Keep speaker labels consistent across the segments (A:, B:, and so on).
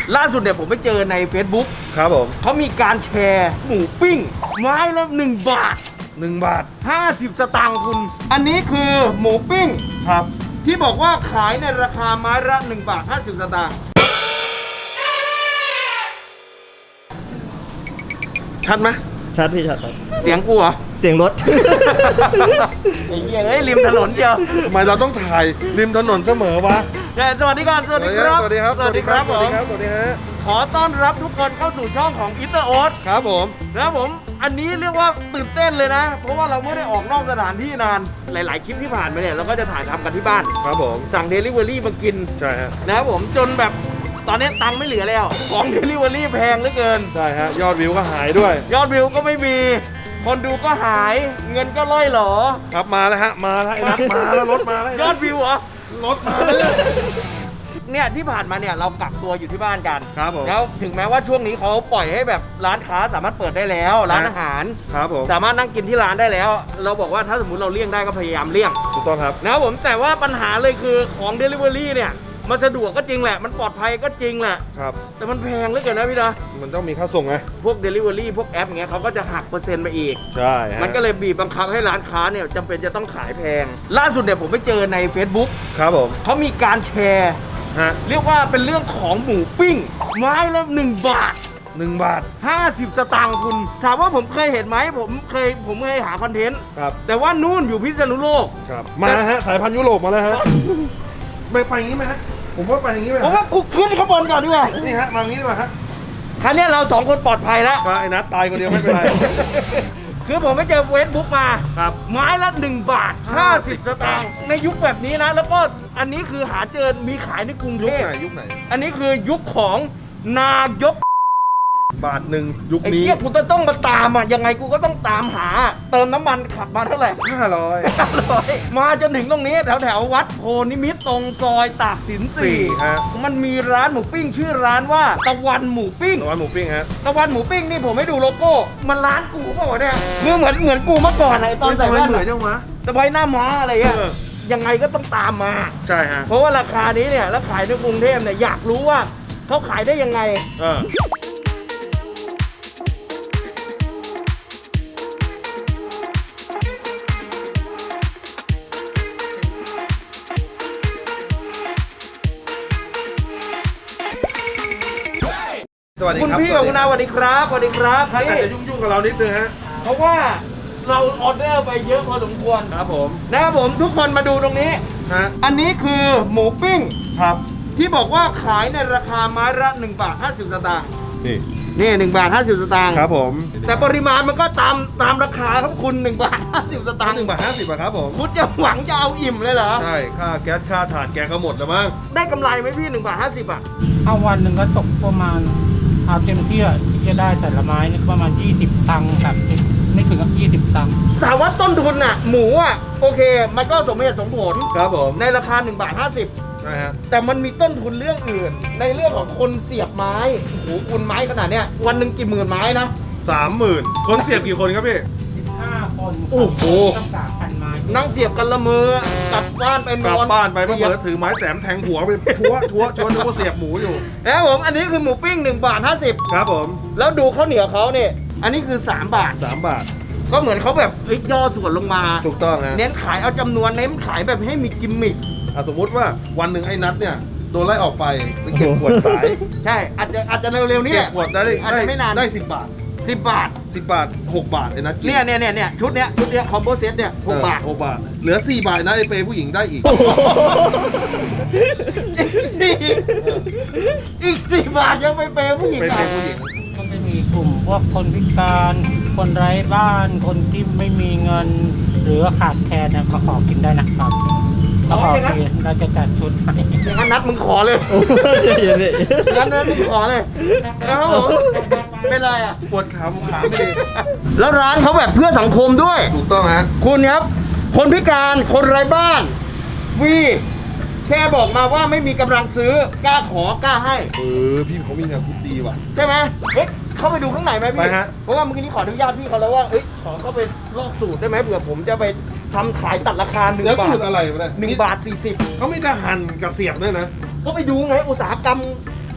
A: ล่าสุดเนี่ยผมไปเจอใน Facebook
B: ครับผม
A: เขามีการแชร์หมูปิ้งไม้ละ1 บาท
B: 1 บาท
A: 50 สตางค์คุณ อันนี้คือหมูปิ้ง
B: ครับ
A: ที่บอกว่าขายในราคาไม้ละ1 บาท 50 สตางค์ชัดไหม
C: ชัดพี่ชัดครับ
A: เสียงกูเหรอ
C: เสียงรถ
A: ไอ้เหี้ยเอ้ยริมถนนเชียว
B: ทำไมเราต้องถ่ายริมถนนเสมอวะ
A: สวัสดีก่อนสวัสดีครับ
B: สวัสดีครับ
A: สวัสดีครับผม
B: สวัสดีฮะ
A: ขอต้อนรับทุกคนเข้าสู่ช่องของอิตเตอร์โอ๊ต
B: ครับผม
A: นะครับผมอันนี้เรียกว่าตื่นเต้นเลยนะ เพราะว่าเราไม่ได้ออกนอกสถานที่นานหลาย ๆ คลิปที่ผ่านมาเนี่ยเราก็จะถ่ายทำกันที่บ้าน
B: ครับผม
A: สั่ง Delivery มากิน
B: ใช่ฮะ
A: นะครับผมจนแบบตอนนี้ตังค์ไม่เหลือแล้ว ของ Delivery แพงเหลือเกิน
B: ใช่ฮะ ยอดวิวก็หายด้วย
A: ยอดวิวก็ไม่มี คนดูก็หายเงินก็ล่อยหลอ
B: ครับมาแล้วฮะ มาแล้วไอ้นัทมาแล้วรถมาแล้ว
A: ยอดวิวเหรอ
B: รถมาแล้ว
A: เนี่ยที่ผ่านมาเนี่ยเรากักตัวอยู่ที่บ้านกัน
B: ครับผม
A: แล้วถึงแม้ว่าช่วงนี้เขาปล่อยให้แบบร้านค้าสามารถเปิดได้แล้ว ร้านอาหาร
B: ครับผม
A: สามารถนั่งกินที่ร้านได้แล้ว เราบอกว่าถ้าสมมติเราเลี่ยงได้ก็พยายามเลี่ยง
B: ถูกต้องครับ
A: นะครับผมแต่ว่าปัญหาเลยคือของ Delivery เนี่ยมันสะดวกก็จริงแหละมันปลอดภัยก็จริงแหละ
B: ครับ
A: แต่มันแพงเหลือเกินนะพี่นะ
B: มันต้องมีค่าส่งไง
A: พวก Delivery พวกแอปอย่างเงี้ยเขาก็จะหักเปอร์เซ็นต์ไปอีก
B: ใช่ฮะ
A: มันก็เลยบีบบังคับให้ร้านค้าเนี่ยจำเป็นจะต้องขายแพง ล่าสุดเนี่ยผมไปเจอใน Facebook
B: ครับผม
A: เขามีการแชร์
B: ฮะ
A: เรียกว่าเป็นเรื่องของหมูปิ้ง ไม้ละ1 บาท
B: 1 บาท
A: 50 สตางค์คุณ ถามว่าผมเคยเห็นไหมผมเคยหาคอนเทนต์
B: ครับ
A: แต่ว่านู่นอยู่พิษณุโลก
B: ครับ มาฮะ สายพันธุ์ยุโรปมาแล้วฮะ ไปอย่างนี้ไหมฮะ ผมว่าไปอย่างนี้ไหม
A: ผมว่ากูขึ้นข้างบนก่อนดีกว่า
B: นี่ฮะ มาอย่างนี้ดีกว่าฮะ
A: ครั้งนี้ยเรา2 คนปลอดภัยแล้ว
B: ไอ้นัทตายคนเดียวไม่เป็นไร
A: คือผมไปเจอเฟซบุ๊กมา
B: ครับ
A: ไม้ละ1 บาท 50 สตางค์ในยุคแบบนี้นะ แล้วก็อันนี้คือหาเจอมีขายในกรุงเท
B: ยุค
A: พ
B: ไหนยุคไหน
A: อันนี้คือยุคของนายก
B: บาทหนึ่งยุค
A: ไอ้
B: นี้
A: เหี้ยกูต้องมาตามอ่ะยังไงกูก็ต้องตามหา เติมน้ำมันขับมาเท่าไหร่
B: 500
A: มาจนถึงตรงนี้แถววัดโพนิมิตรตรงซอยตากสิน
B: ฮะ
A: 4มันมีร้านหมูปิ้งชื่อร้านว่าตะวันหมูปิ้ง
B: ร้านหมูปิ้งฮะ
A: ตะวันหมูปิ้งนี่ผมให้ดูโลโก้มันร้านกูเปล่าวะเนี่ยเหมือนกูเมื่อก่อนไอ้ตอนใส่แว่น
B: เหมือน
A: อะ
B: จังวะ
A: ตะไว้หน้าม้าอะไรเงี้ย
B: เออ
A: ยังไงก็ต้องตามมา
B: ใช่ฮะ
A: เพราะว่าราคานี้เนี่ยแล้วขายในกรุงเทพเนี่ยอยากรู้ว่าเขาขายได้ยังไง
B: สวัสดี
A: คุณ
B: ครับ
A: พี่กับคุณอาสวัสดีครับสวัสดีครับ
B: ท่านอาจจะยุ่งๆกับเรานิดนึงฮะ
A: เพราะว่าเราออเดอร์ไปเยอะพอสมควร
B: ครับผม
A: นะครับผมทุกคนมาดูตรงนี้
B: ฮะ
A: อันนี้คือหมูปิ้ง
B: ครับ
A: ที่บอกว่าขายในราคาไม้ละ1 บาท 50 สตางค์
B: นี่
A: นี่1 บาท 50 สตางค์
B: ครับผม
A: แต่ปริมาณมันก็ตามราคาครับคุณ1 บาท 50 สตางค์
B: 1 บาท 50 บาทครับผม
A: คุณจะหวังจะเอาอิ่มเลยเหรอ
B: ใช่ ค่าแก๊ส ค่าถ่านแกก็หมดแล้วมั้ง
A: ได้กำไรไหมพี่1 บาท 50 อ่ะ
C: เอาวันหนึ่งก็ตกประมาณเอาเต็มที่อะที่จะได้แต่ละไม้นี่ประมาณ20 ตังค์30ไม่ถึงกับ20 ตังค์
A: ถามว่าต้นทุนอ่ะหมูอ่ะโอเค มันก็สมเหตุสมผล
B: ครับผม
A: ในราคา1 บาท 50
B: ใช่ฮะ
A: แต่มันมีต้นทุนเรื่องอื่น ในเรื่องของคนเสียบไม้โอ้โหคุณไม้ขนาดเนี้ยวันหนึ่งกี่หมื่นไม้นะ
B: 30,000 คนเสียบกี่คนครับพี่
C: 15 คน
B: โอ้โห
C: ต้อง3,000 ไม้
A: นั่งเสียบกันละมือกลับบ้านไปน
B: กลับ
A: อน
B: บ้านไปเมื่อ
A: สียบ
B: เปิดถือไม้แสมแทงหัวไปทั่วนึกว่าเสียบหมูอยู่
A: นะครับผมอันนี้คือหมูปิ้ง1 บาท
B: ครับผม
A: 50แล้วดูข้าวเหนียวเขาเนี่ยอันนี้คือ3 บาท
B: 3 บาท
A: ก็เหมือนเขาแบบเฮ้ยย่อส่วนลงมา
B: ถูกต้องฮะ
A: เน้นขายเอาจำนวนเน้นขายแบบให้มีกิมมิค
B: สมมุติว่าวันหนึ่งไอ้นัทเนี่ยโดนไล่ออกไปไปเก็บขวดขาย
A: ใช่อาจจะเร็วๆนี้
B: เก็
A: แห
B: บ
A: ละ
B: ขวดได้
A: อาจจะไม่นาน
B: ได้10 บาท
A: 10 บาท
B: 10 บาท 6 บาทไอ้นัทกิน
A: เนี่ยชุดเนี้ยคอมโบเซตเนี่ย6 บาท
B: 6 บาท เหลือ 4 บาทนะไอ้เปย์ผู้หญิงได้อีก
A: อีก4 บาทยังไปเปย์ผู้หญิง
B: เปย์
A: อ่ะ
B: ผู้หญิง
C: ก็จะมีกลุ่มพวกคนพิการ คนไร้บ้าน คนที่ไม่มีเงิน หรือว่าขาดแคลนเนี่ยมาขอกินได้นะครับมาขอกินเราจะจัดชุดให้
A: อย่างนั้นนัดมึงขอเลยงั้นนัดมึงขอเลยนะครับผมเป็นไรอ่ะ
B: ปวดขาไม่ดี
A: แล้วร้านเขาแบบเพื่อสังคมด้วย
B: ถูกต้องฮะ
A: คุณครับ คนพิการคนไร้บ้านฟรีแค่บอกมาว่าไม่มีกำลังซื้อกล้าขอกล้าให้
B: พี่เขามีงานพุทธดีว่ะ
A: ใช่ไหมเฮ้ยเข้าไปดูข้างในไหม
B: ไป
A: พี่
B: ฮะ
A: เพราะว่าเมื่อกี้นี้ขออนุญาตพี่เขาแล้วว่าเอ้ยขอเข้าไปลอกสูตรได้ไหมเผื่อผมจะไปทำขายตัดราคา1
B: แล้ว
A: บา
B: สู
A: ท
B: ตรอะไรวะเนี่ย
A: 1 บาท 40
B: เขามีแต่หั่นกับเสียบด้วยนะ
A: ก็ไปดูไงอุตสาหกรรม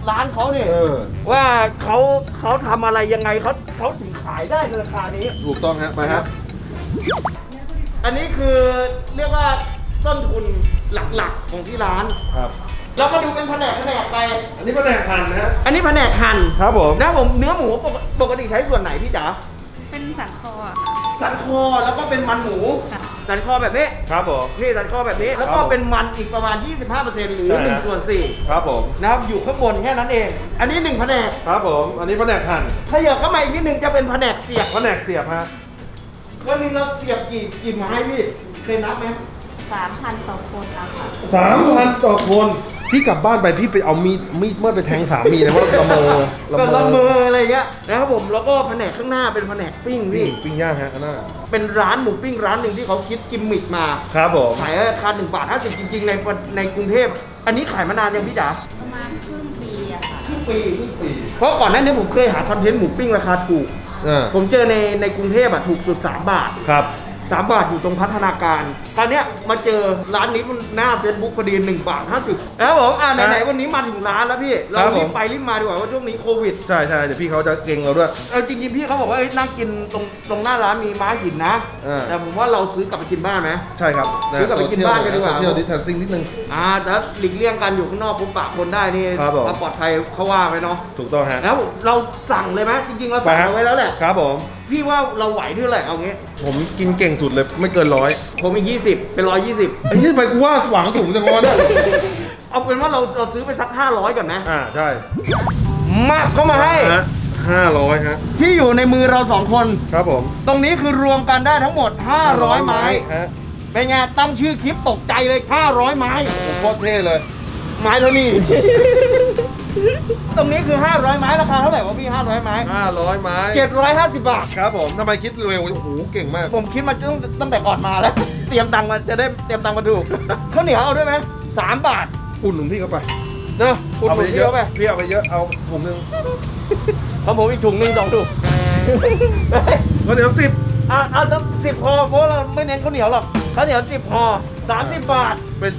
A: ร้านเขาเนี่ย ว่าเขาทำอะไรยังไงเขาถึงขายได้ในราคานี้
B: ถูกต้องฮะไปฮะ
A: อันนี้คือเรียกว่าต้นทุนหลักๆของที่ร้าน
B: ครับ
A: เรามาดูเป็นแผนกไป
B: อันนี้แผนกหั่นนะฮะ
A: อันนี้แผนกหั่น
B: ครับผม
A: นะผมเนื้อหมูปกติใช้ส่วนไหนพี่จ๋า
D: เป็นสันคออะ
A: สันคอแล้วก็เป็นมันหมู
D: ค่ะ
A: สันคอแบบนี้
B: ครับผม
A: นี่สันคอแบบนี้ แล้วก็เป็นมันอีกประมาณ 25%หรือ
B: ใช่ฮะ
A: 1 ส่วน
B: ครับผม
A: 4นะครับอยู่ข้างบนแค่นั้นเอง อันนี้1แผนก
B: ครับผม อันนี้แผนกหั่น
A: ถ้าอยากเข้ามาอีกนิดนึงจะเป็นแผนกเสียบ
B: แผนกเสียบฮะ
A: วันหนึงเราเสียบกี่ไม้พี่เคยนับไหม
D: 3,000 ต่อคนนะคะ
B: 3,000 ต่อคน พี่กลับบ้านไปพี่ไปเอามีดเมื่อไปแทงสามีเลยเพราะละเมอ
A: ก็ละเมออะไรเงี้ยนะครับผมแล้วก็แผนกข้างหน้าเป็นแผนกปิ้งพี่
B: ปิ้งย่างฮะอันน่า
A: เป็นร้านหมูปิ้งร้านหนึ่งที่เขาคิดกิมมิคมา
B: ครับผม
A: ขายราคา1 บาท 50จริงๆในกรุงเทพอันนี้ขายมานานยังพี่จ๋า
D: ประมาณครึ่งปีอะค่ะ
A: ครึ่งปีเพราะก่อนหน้านี้ผมเคยหาคอนเทนต์หมูปิ้งราคาถูก ผมเจอในกรุงเทพอะถูกสุด3 บาท
B: ครับ
A: 3 บาทอยู่ตรงพัฒนาการตอนเนี้ยมาเจอร้านนี้มันหน้า Facebook พอดี1 บาท 50แล้วผมไหนๆวันนี้มาถึงร้านแล้วพี่เรารีบไปรีบมาดีกว่าว่าช่วงนี้โควิด
B: ใช่เดี๋ยวพี่เขาจะเก่งเราด้วย
A: จริงๆพี่เขาบอกว่าเอ้ยนั่งกินตรงหน้าร้านมีม้าหินนะ แต่ผมว่าเราซื้อกลับไปกินบ้านไหม
B: ใช่ครับ
A: ซื้อกลับไปกินบ้านกันดีกว่า
B: เที่ยวดิสแทนซิ่งนิดนึง
A: แต่หลีกเลี่ยงกันอยู่ข้างนอกพบปะคนได้นี่
B: ครับผม
A: เราปลอดภัยเขาว่าไปเนาะ
B: ถูกต้องฮะ
A: แล้วเราสั่งเลยไหมจริงๆเราสั่งเอาไว้แล้วแหละ
B: ครับผม
A: พี่ว่าเราไหวเท่าไหร่เอางี้
B: ผมกินเก่งสุดเลยไม่เกิน100
A: ผมอีก20เป็น120
B: ไอ้ยี่ไปกูว่าหวังสูงจังวะเนี่ย
A: เอาเป็นว่าเราซื้อไปสัก500ก่อนนะ
B: ใช่
A: มาเข้ามาให้
B: ฮะ500ฮะ
A: ที่อยู่ในมือเรา2 คน
B: ครับผม
A: ตรงนี้คือรวมกันได้ทั้งหมด500 ไม้
B: ฮะ
A: เป็นไงตั้งชื่อคลิปตกใจเลย500 ไม้
B: ผมโคตรเท่เลย
A: ไม้เท่านี้ ตรงนี้คือ500 ไม้ราคาเท่าไหร่วะพี่500 ไม้
B: 500 ไม้
A: 750 บาท
B: ครับผมทำไมคิดเร็วโอ้โหเก่งมาก
A: ผมคิดมาตั้งแต่ก่อนมาแล้ว เตรียมตังค์มาจะได้เตรียมตังค์มาถูกข้าวเหนียวเอาด้วยไหม3 บาท
B: อุ่นหนุนพี่เข้าไป
A: เนอะคุณ
B: เอา
A: ห
B: ไป
A: นุน
B: เย
A: เย
B: อะ
A: อะไป
B: พี่เอาไปเยอะเอาถุงนึง
A: ของผมอีกถุงหนึ่ง2 ถุง
B: ก็เดี๋ยว10
A: เอาสัก10 พอเพราะเราไม่เน้นข้าวเหนียวหรอกข้าวเหนียว10 พอ30 บาท
B: เป็น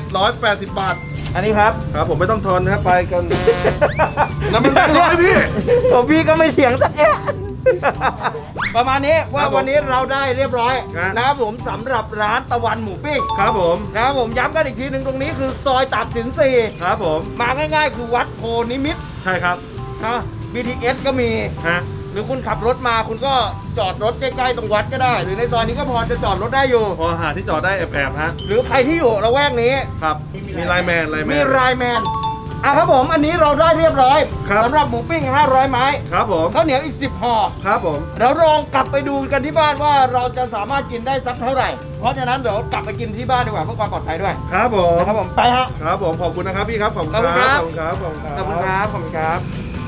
B: 780 บาท
A: อันนี้ครับ
B: ครับผมไม่ต้องทอนนะครับไปกันแล้วมัน100พี่
A: ผมพี่ก็ไม่เถียงสักแอะประมาณนี้ว่า
B: ครับผม
A: วันนี้เราได้เรียบร้อย
B: ครับ
A: นะครับผมสำหรับร้านตะวันหมูปิ้ง
B: ครับผม
A: นะครับผมย้ำกันอีกทีหนึ่งตรงนี้คือซอยตากสิน4
B: ครับผม
A: มาง่ายๆ คือวัดโพนิมิตร
B: ใช่ครับ
A: นะ BTS ก็มี
B: ฮะ
A: หรือคุณขับรถมาคุณก็จอดรถใกล้ๆตรงวัดก็ได้ หรือในซอยนี้ก็พอจะจอดรถได้อยู่
B: พอหาที่จอดได้แอบๆฮะ
A: หรือใครที่อยู่ละแวกนี้
B: ครับมีไลน์แมน
A: มีไลน์แมนครับผมอันนี้เราได้เรียบร้อย
B: ครับ
A: สำหรับหมูปิ้ง500 ไม้
B: ครับผม
A: ข้าวเหนียวอีก10 ห่อ
B: ครับผม
A: เราลองกลับไปดูกันที่บ้านว่าเราจะสามารถกินได้สักเท่าไหร่ เพราะฉะนั้นเดี๋ยวกลับไปกินที่บ้านดีกว่าเพื่อความปลอดภัยด้วย
B: ครับผม
A: นะครับผมไปฮะ
B: ครับผมขอบคุณนะครับพี่ครับขอบคุณค
A: ขอบคุณครั
B: รับบ ขอบคุณครับขอบคุณครับ
A: ขอบคุณครับขอบคุณครับ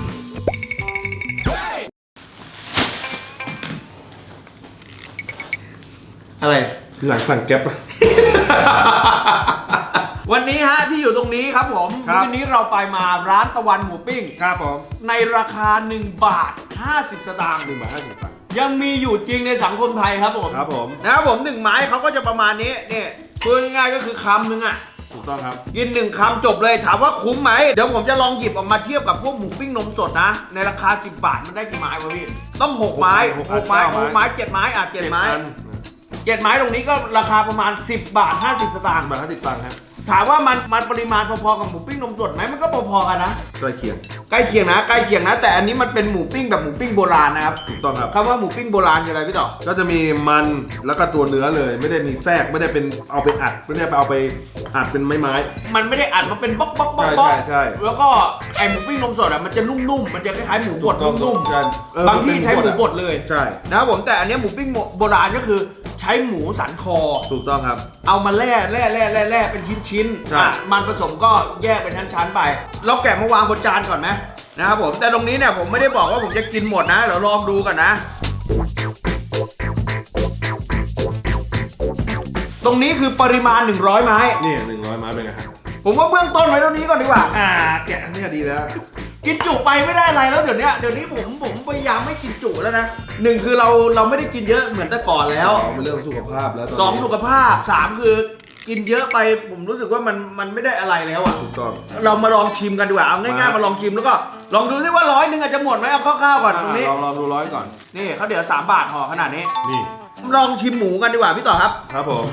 A: อะไร
B: หลังสั่งแก๊ปอะ
A: วันนี้ฮะที่อยู่ตรงนี้ครับผม
B: ครับ
A: วันนี้เราไปมาร้านตะวันหมูปิ้ง
B: ครับผม
A: ในราคา1 บาท 50 สตางค์
B: 1 บาท 50 บาท
A: ยังมีอยู่จริงในสังคมไทยครับผม
B: ครับผม
A: นะครับผม1 ไม้เขาก็จะประมาณนี้นี่พูดง่ายๆก็คือคำนึงอ่ะ
B: ถูกต้องครับ
A: กิน1 คำจบเลยถามว่าคุ้มไหมเดี๋ยวผมจะลองหยิบออกมาเทียบกับพวกหมูปิ้งนมสดนะ ในราคา 10 บาทมันได้กี่ไม้วะพี่ต้อง6 ไม้ 6 ไม้
B: 9
A: 6 ไม้ 7 ไม้7 ไม้ 7 ไม้ตรงนี้ก็ราคาประมาณ10 บาท 50 สตางค์
B: 1 บาท 50 ตังค์ฮะ
A: ถามว่ามันปริมาณพอๆกับหมูปิ้งนมสดไหมมันก็พอๆกันนะ
B: ใกล้เคียง
A: ใกล้เคียงนะใกล้เคียงนะ แต่อันนี้มันเป็นหมูปิ้งแบบหมูปิ้งโบราณนะครับ
B: ถูกต้องครับ
A: คำว่าหมูปิ้งโบราณคืออะไรพี่ต่อ
B: ก็จะมีมันแล้วก็ตัวเนื้อเลย ไม่ได้มีแทรกไม่ได้เป็นเอาไปอัดไม่ได้ไปเอาไปอัดเป็นไม้
A: มันไม่ได้อัดมาเป็นบ๊อกบ๊อกบ๊อก
B: ใช่
A: บ๊อก
B: ใช่
A: แล้วก็ไอหมูปิ้งนมสดอ่ะมันจะนุ่มๆมันจะคล้ายๆหมูบดนุ่ม
B: ใช่
A: ๆบางที่ใช้หมูบดเลย
B: ใช่
A: นะครับผมแต่อันนี้หมูปิ้งโบราณก็คือใช้หมูสันคอ
B: ถูกต้องครับ
A: เอามาแล่เป็นชิ้น
B: ใช่
A: มันผสมก็แยกเป็นชั้นๆไปเราแกะมาวางบนจานก่อนไหมนะครับผมแต่ตรงนี้เนี่ยผมไม่ได้บอกว่าผมจะกินหมดนะเดี๋ยวลองดูกันนะ ตรงนี้คือปริมาณ100 ไม้
B: นี่100 ไม้เป็นไงครับ
A: ผมว่าเบื้องต้นไว้เท่านี้ก่อนดีกว่า
B: แกะนี่ก็ดีแล้ว
A: กินจุไปไม่ได้อะไรแล้วเดี๋ยวนี้ผมพยายามไม่กินจุแล้วนะหนึ่งคือเราไม่ได้กินเยอะเหมือนแต่ก่อนแล้ว
B: เป็นเรื่องสุขภาพแล้ว
A: 2 สุขภาพ 3 คือกินเยอะไปผมรู้สึกว่ามันไม่ได้อะไรแล้วอ่ะ
B: ถูกต้อง
A: เรามาลองชิมกันดีกว่าเอาง่ายๆมาลองชิมแล้วก็ลองดูซิว่า100 นึงอาจจะหมดไหมเอาคร่าวๆก่อนตรงนี้
B: ลองดู100ก่อน
A: นี่เขาวเดี๋ยว3 บาทห่อขนาดนี้
B: นี่
A: ลองชิมหมูกันดีกว่าพี่ต่อครับ
B: ครับผม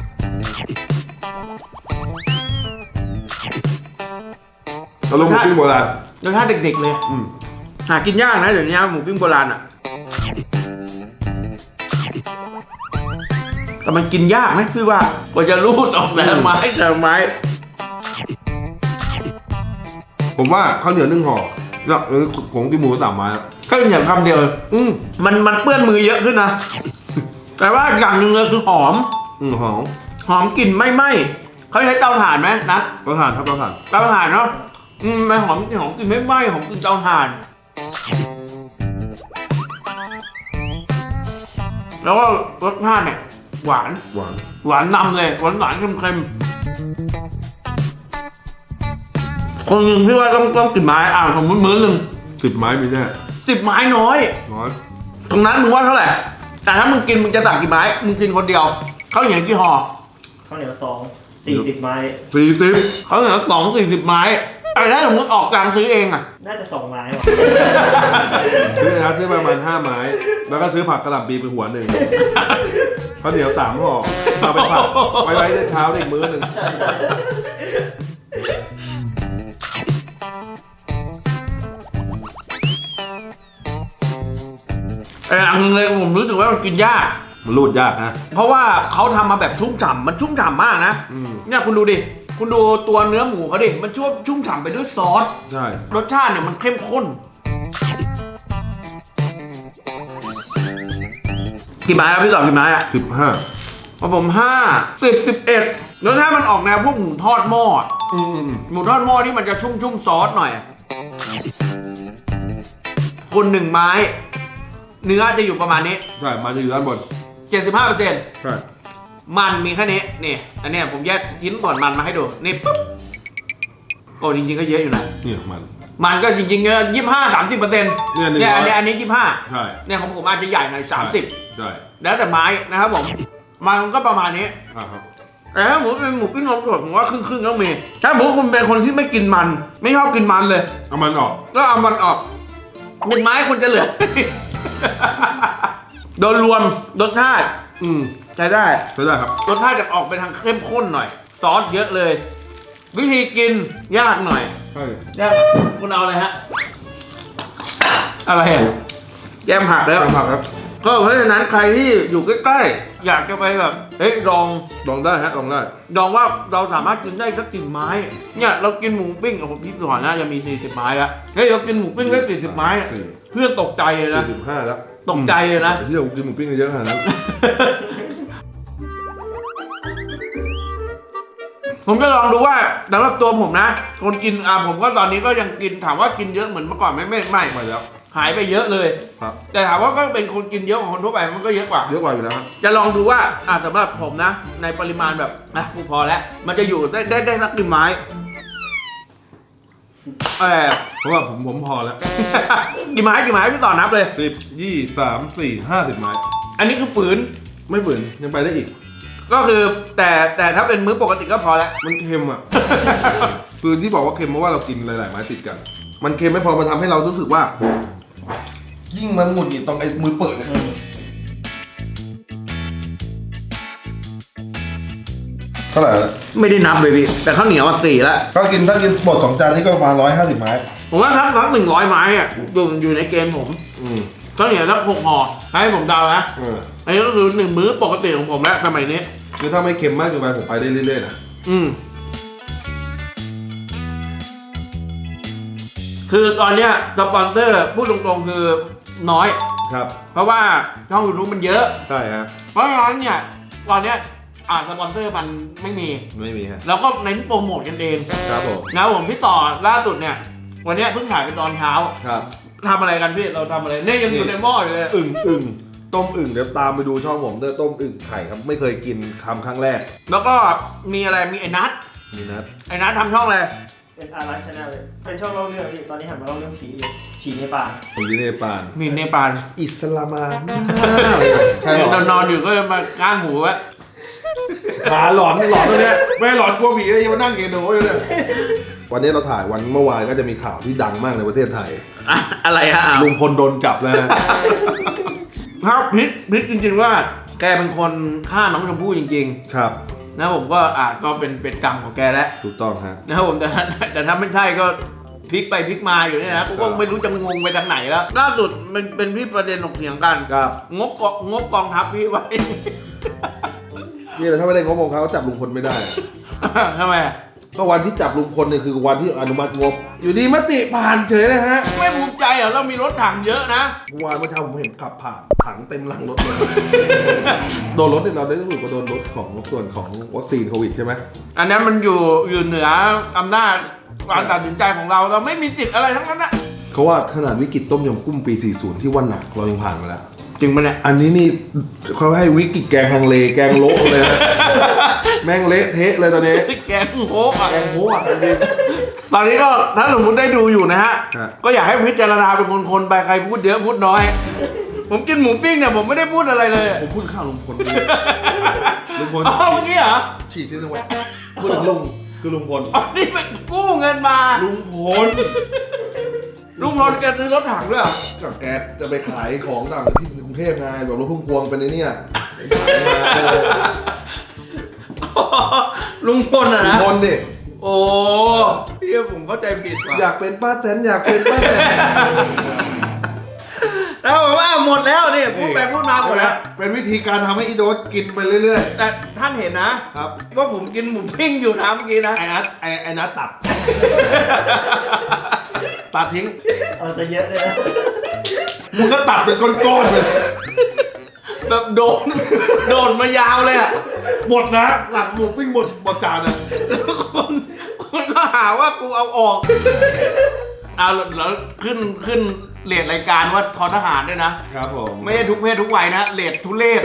B: เราลงหมูปิ้งโบราณ
A: รสชาติเด็กๆเลย
B: อืม
A: หากินยากนะเดี๋ยวนี้หมูปิ้งโบราณอ่ะแต่มันกินยากนะพี่ว่ากว่าจะรูดออกแต่ละไม้แต่ละไม้
B: ผมว่าข้าวเหนียว1 ห่อแล้วผมกินหมู3 ไม้แล้ว
A: ก็เป็นอย่างคำเดียวเลยมันเปื้อนมือเยอะขึ้นนะ แต่ว่าอย่างหนึ่งเลยคือหอม
B: หอม
A: หอมกลิ่นไม่ไหม้เขาใช้เตาถ่านไหมนะ
B: เตาถ่านครับเตาถ่าน
A: เตาถ่านเนาะมันหอมกลิ่นไม่ไหม้หอมกลิ่นเตาถ่าน แล้วก็รสชาติเนี่ยหวาน
B: หวาน
A: หวานนำเลยหวานเค็มๆคนหนึ่งพี่ว่าต้องกี่ไม้ผมมื้อหนึ่ง
B: 10 ไม้มีแน่
A: 10 ไม้น้อย
B: น้อย
A: ตรงนั้นมึงว่าเท่าไหร่แต่ถ้ามึงกินมึงจะสั่งกี่ไม้มึงกินคนเดียวเขาวเหนียวกี่ห่อ
E: ข้าวเหนียว40 ไม้
B: 40
A: เขาวเหนียว40 ไม้แต่ถ้าสมมติออกกลางซื้อเองอ่ะ
E: น่าจะ2 ไม้ว่ะ
B: ซื้อประมาณ5 ไม้ แล้วก็ซื้อผักกระหล่ำปีไปหัวหนึ่งข้าวเหนียว3 ห่อเอาไปผัดไว้ในเช้าอีกมื้อหนึ่ง
A: แต่อันนึงเลยผมรู้สึกว่ามันกินยาก
B: มันรูดยากนะ
A: เพราะว่าเขาทำมาแบบชุ่มฉ่ำมันชุ่มฉ่ำมากนะ เนี่ยคุณดูดิคุณดูตัวเนื้อหมูเขาดิมันชุ่มฉ่ำไปด้วยซอส
B: ใช่
A: รสชาติเนี่ยมันเข้มข้นกี่ไม้ครับพี่ต่อกี่ไม้อะ
B: 15
A: ของผม5 10 11รสชาติมันออกแนวพวกหมูทอดหม้ออะหมูทอดหม้อที่มันจะชุ่มซอสหน่อยอะคน1 ไม้เนื้อจะอยู่ประมาณนี้
B: ใช่ มาจะอยู่ด้านบน
A: 75%
B: ใช่
A: มันมีแค่นี้นี่อันเนี้ยผมแยกชิ้นส่วนมันมาให้ดูนี่ปุ๊บโอ้จริงๆก็เยอะอยู่นะ
B: เนี่ยมัน
A: มันก็จริงๆเยอะ25-30%เนี่ยอันนี้25
B: ใช่
A: เนี่ยของผมอาจจะใหญ่หน่อย30
B: ใช่
A: แล้วแต่ไม้นะครับผมมันก็ประมาณนี้
B: ครับ
A: แต่ถ้าหมูเป็นหมูปิ้งนมสดผมว่าครึ่งๆต้องมีถ้าหมูคุณเป็นคนที่ไม่กินมัน ไม่ชอบกินมันเลย
B: เอามันออก
A: ก็เอามันออก1 ไม้คุณจะเหลือ โดยรวมรสชาติใช้ได้
B: ใช่ได้ครับ
A: รสชาติจะออกไปทางเข้มข้นหน่อยซอสเยอะเลย วิธีกินยากหน่อย
B: ใช่
A: ยากคุณเอาอะไรฮะอะไรอ่ะแยมผักแล้ว
B: ตามผักครับ
A: ก็เพราะฉะนั้นใครที่อยู่ใกล้ๆอยากจะไปแบบเฮ้ยลอง
B: ลองได้ฮะลองได้
A: ว่าเราสามารถกินได้สักกี่ไม้เนี่ยเรากินหมูปิ้งโอ้โหพี่สอนน่าจะมี40 ไม้แล้วเฮ้ยเรากินหมูปิ้งได้40 ไม้อะเพื่อนตกใจเลยนะ
B: 45แล้ว
A: ตกใจเลยนะ
B: ที่เรากินหมูปิ้งเยอะขนาดนั้น
A: ผมจะลองดูว่าสำหรับตัวผมนะคนกินผมก็ตอนนี้ก็ยังกินถามว่ากินเยอะเหมือนเมื่อก่อนไม่
B: มาแล้ว
A: หายไปเยอะเลย
B: ครับ
A: แต่ถามว่าก็เป็นคนกินเยอะของคนทั่วไปมันก็เยอะกว่า
B: เยอะกว่าอยู่แล้วครับ
A: จะลองดูว่าสำหรับผมนะ ในปริมาณแบบกูพอแล้วมันจะอยู่ได้สักกี่ไม้
B: เพราะว่าผมพอแล้ว
A: กี่ไม้พี่ต่อนับเลย
B: 10 20 3 4 50 ไม้
A: อันนี้คือฝืน
B: ไม่ฝืนยังไปได้อีก
A: ก็คือแต่ถ้าเป็นมื้อปกติก็พอแล้ว
B: มันเค็มอ่ะ คือที่บอกว่าเค็มเพราะว่าเรากินหลายๆไม้ติดกัน มันเค็มไม่พอมันทำให้เรารู้สึกว่า ยิ่งมันหงุดหงิดตรงไอ้มือเปิดเนี่ยเท่าไหร่แล้ว
A: ไม่ได้นับเลยพี่แต่ข้าวเหนียว4แล้ว
B: ถ้ากินหมด2 จานนี่ก็ประมาณ150 ไม้
A: ผมว่าสัก100 ไม้อ่ะอยู่ในเกณฑ์ผมข้าวเหนียวสัก6 ห่อให้ผมเดานะอันนี้ก็คือ1 มื้อปกติของผมแล้วสมัยนี้
B: คือถ้าไม่เค็มมากเกินไปผมไปได้เรื่อยๆนะ
A: คือตอนเนี้ยสปอนเซอร์พูดตรงๆคือน้อย
B: ครับ
A: เพราะว่าช่องยูทูบมันเยอะ
B: ใช่ฮะ
A: เพราะฉะนั้นเนี่ยตอนเนี้ยสปอนเซอร์มันไม่มี
B: ไม่มีฮะ
A: เราก็เน้นโปรโมทกันเอง
B: ครับผม
A: นะผมพี่ต่อล่าสุดเนี่ยวันเนี้ยเพิ่งถ่ายเป็นตอนเช้า
B: ครับ
A: ทำอะไรกันพี่เราทำอะไรเนี่ยยังอยู่ในหม้ออยู่เลย
B: อึ่งต้มอึ่งเดี๋ยวตามไปดูช่องผมด้วยต้มอึ่งไข่ครับไม่เคยกินครั้งแรก
A: แล้วก็มีอะไรมีไอ้นัท
B: นี่นะ
A: ไอ้นัททำช่องอะไร
E: เป็นอารักชาแนลเลย เป็นช่องเล่าเรื่องพี่ตอนนี้หันมาเล่าเรื่องผีอยู่ผีในป่า
B: ผมอยู่ในปาน
A: มีเนปาล
B: อิสลามานใช่หรอน
A: อนอยู่ก็มาก้างหูไว้
B: หาหลอนตัวเนี้ยไม่หลอนกลัวผีเลยยังมานั่งเกโนอยู่เนี่ยวันนี้เราถ่ายวันเมื่อวานก็จะมีข่าวที่ดังมากในประเทศไทย
A: อะไรฮะ
B: ลุงพลโดนจับแล้วนะ
A: ครับพิษจริงๆว่าแกเป็นคนฆ่าน้องชมพู่จริง
B: ครับ
A: ๆนะผมก็ก็เป็นกรรมของแกแล้ว
B: ถูกต้องฮะ
A: นะครับผมแต่ถ้าไม่ใช่ก็พลิกไปพลิกมาอยู่เนี่ยนะกูก็ไม่รู้จะงงไปทางไหนแล้วล่าสุดมันเป็นที่ประเด็นถกเถียงกัน
B: ครับ
A: งบกองทัพพี่ไว้
B: นี่แหละถ้าไม่ได้งบของเขาจับลุงพลไม่ได้
A: ทำไม
B: ก็วันที่จับลุงพลเนี่ยคือวันที่อนุมัติงบ อยู่ดีมติผ่านเฉยเลยฮะ
A: ไม่ภูมิใจเหรอเรามีรถถังเยอะนะ
B: เมื่อวานเมื่อเช้าผมเห็นขับผ่านถังเต็มหลังรถเลย โดนรถเนี่ยเราได้รู้สึกว่าโดนรถของส่วนของวัคซีนโควิดใช่ไหม
A: อันนั้นมันอยู่เหนืออำนาจการตัดสินใจของเราไม่มีสิทธิ์อะไรทั้งนั้นนะ
B: เขาว่าขนาดวิกฤตต้มยำกุ้งปี 40 ที่ว่าหนักเรายังผ่านมาแล้ว
A: จริงปะเนี่ย
B: อันนี้นี่เขาให้วิกฤตแกงฮังเลแกงโละเลยนะ แม่งเละเทะเลยตอนนี้
A: แกงโง่อะ
B: แกงโง่อะจริง
A: ตอนนี้ก็ถ้าสมมติได้ดูอยู่นะฮะ
B: ฮะ
A: ก็อยากให้พิจารณาเป็นคนๆไปใครพูดเยอะพูดน้อย ผมกินหมูปิ้งเนี่ยผมไม่ได้พูดอะไรเลย
B: ผมพูดข้าวลุงพลลุงพล
A: อ๋อเมื่อกี้เหรอ
B: ฉีดที่ตรงไหนพูดถึงลุงคือลุงพล
A: อ๋อนี่เป็นกู้เงินมา
B: ลุงพล
A: ลุงพลแกซื้อรถถังด้วยเหรอ
B: กับแกจะไปขายของต่างที่กรุงเทพไงแบบรถพุ่มพวงเป็นไอ้เนี่ย
A: ลุงพลอะ
B: ลุง
A: นะ
B: พลดิ
A: โอ้พี่ผมเข้าใจผิดว่ะ
B: อยากเป็นป้าแตนอยากเป็นป้าแตน
A: แล้วผมว่าหมดแล้วนี่พูดไปพูดมาหมดแล้ว
B: เป็นวิธีการทำให้อีโดสกินไปเรื่อย
A: แต่ท่านเห็นนะครับ ว่าผมกินหมูปิ้งอยู่นะเมื่อกี้นะ
B: ไอ้นัทตัด ตัดทิ้ง
E: เอาซะเยอะเลยนะ
B: มึงก็ตัดเป็นก้อนๆเลย
A: แบบโดนมายาวเลยอ่ะ
B: หมดนะหลังหมูปิ้งหมดจานนะ
A: คนก็หาว่ากูเอาออกเอาแล้วขึ้นเรทรายการว่าทอทหารด้วยนะครับ
B: ผม
A: ไม่ใช่ทุกเพศทุกวัยนะเรททุเรศ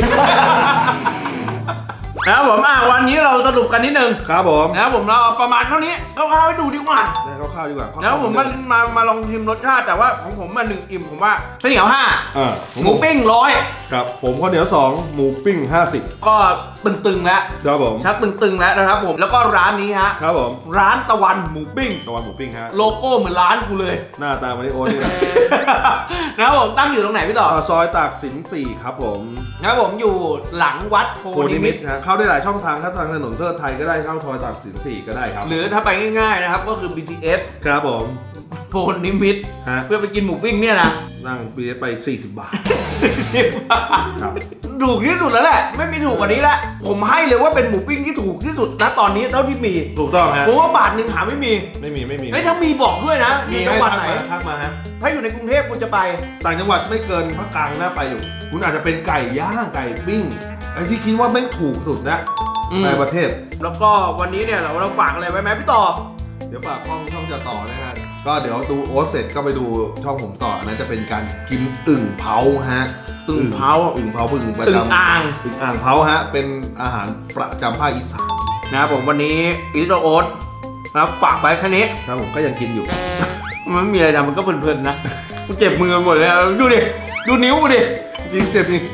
A: นะครับผมวันนี้เราสรุปกันนิดนึง
B: ครับผม
A: นะครับผมเราเอาประมาณเท่านี้คร่าวๆให้ดูดีกว่า
B: ได้ข้าวๆดีกว่า
A: แล้วผมมาลองชิมรสชาติแต่ว่าของผม1 อิ่มผมว่าข้าวเหนียว5หมูปิ้ง100
B: ครับผมข้าวเหนียว2หมูปิ้ง50
A: ก็ตึงๆแล้ว
B: ครับผม
A: ชักตึงๆแล้วนะครับผมแล้วก็ร้านนี้ฮะ
B: ครับผม
A: ร้านตะวันหมูปิ้ง
B: ตะวันหมูปิ้งฮะ
A: โลโก้เหมือนร้านกูเลย
B: หน้าตามันนี่โอ้นี่นะ
A: นะครับผมตั้งอยู่ตรงไหนพี่ต่อ
B: ซอยตากสิน4ครับผม
A: นะครับผมอยู่หลังวัดโพ
B: โพ
A: นิ
B: นิ
A: มิ
B: มิ
A: ต
B: ตฮะเข้าได้หลายช่องทางครับทางถนนเทิดไทยก็ได้เข้าซอยตากสิน4ก็ได้ครับ
A: หรือถ้าไปง่ายๆนะครับก็คือ BTS
B: ครับผม
A: โพนิมิต
B: ฮะ
A: เพื่อไปกินหมูปิ้งเนี่ยนะ
B: นั่งปีไป40 บาท ครับ
A: ถูกที่สุดแล้วแหละไม่มีถูกกว่านี้แล้วผมให้เลยว่าเป็นหมูปิ้งที่ถูกที่สุดนะตอนนี้เท่าที่มี
B: ถูกต้องฮะ
A: ผมว่าบาทหนึ่งหาไม่มี
B: ไม่มี
A: เฮ้ยถ้ามีบอกด้วยนะ
B: มี
A: จั
B: ให้
A: งหวัด
B: ทัก
A: ไหน
B: มาทักมาฮะ
A: ถ้าอยู่ในกรุงเทพคุณจะไป
B: ต่างจังหวัดไม่เกินภาคกลางน่าไปอยู่ คุณอาจจะเป็นไก่ย่างไก่ปิ้งไอ้ที่คิดว่าไม่งถูกสุดนะ
A: อืม
B: ในประเทศ
A: แล้วก็วันนี้เนี่ยเราฝากอะไรไว้ไหมพี่ต่อ
B: เดี๋ยวฝากช่องจะต่อนะฮะ ก็เดี๋ยวดูโอ๊ตเสร็จก็ไปดูช่องผมต่ออันนั้นจะเป็นการกินอึ่งเผาฮะ
A: อึ่งเผา
B: อึ่งเผาอึ่งประ
A: อึ่
B: จ
A: งอ่าง
B: ำอึ่งอ่างเผาฮะ เป็นอาหารประจำภาคอีสาน
A: นะครับผมวันนี้อีโตโอ๊ตนะครับฝากไว้แค่นี้
B: ครับผมก็ยังกินอยู่
A: มันไม่มีอะไรนะมันก็เพลินๆนะกูเจ็บมือหมดเลยดูดิดูนิ้วกูดิ
B: จริงเจ็บจริง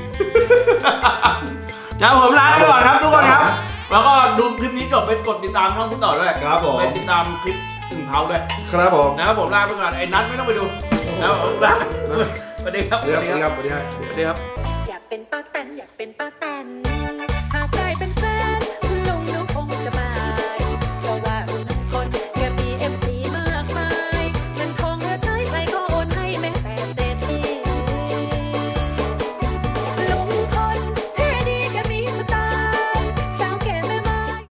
A: นะครับผมลาไปก่อนครับทุกคนครับ แล้วก็ดูคลิปนี้จบไปกดติดตามช่องพี่ต่อด้วย
B: ครับผม
A: ไปติดตามคลิปอึ่งเผาด้วย
B: ครับผม
A: นะครับผมลาไปก่อนไอ้นัทไม่ต้องไปดูนะครับผมลาสวัสดีครับ
B: สวัสดีครับสวัสดีครับ
A: สวัสดีครับ
F: อยากเป็นป้าแตนอยากเป็นป้าแตนหากได้เป็นแฟ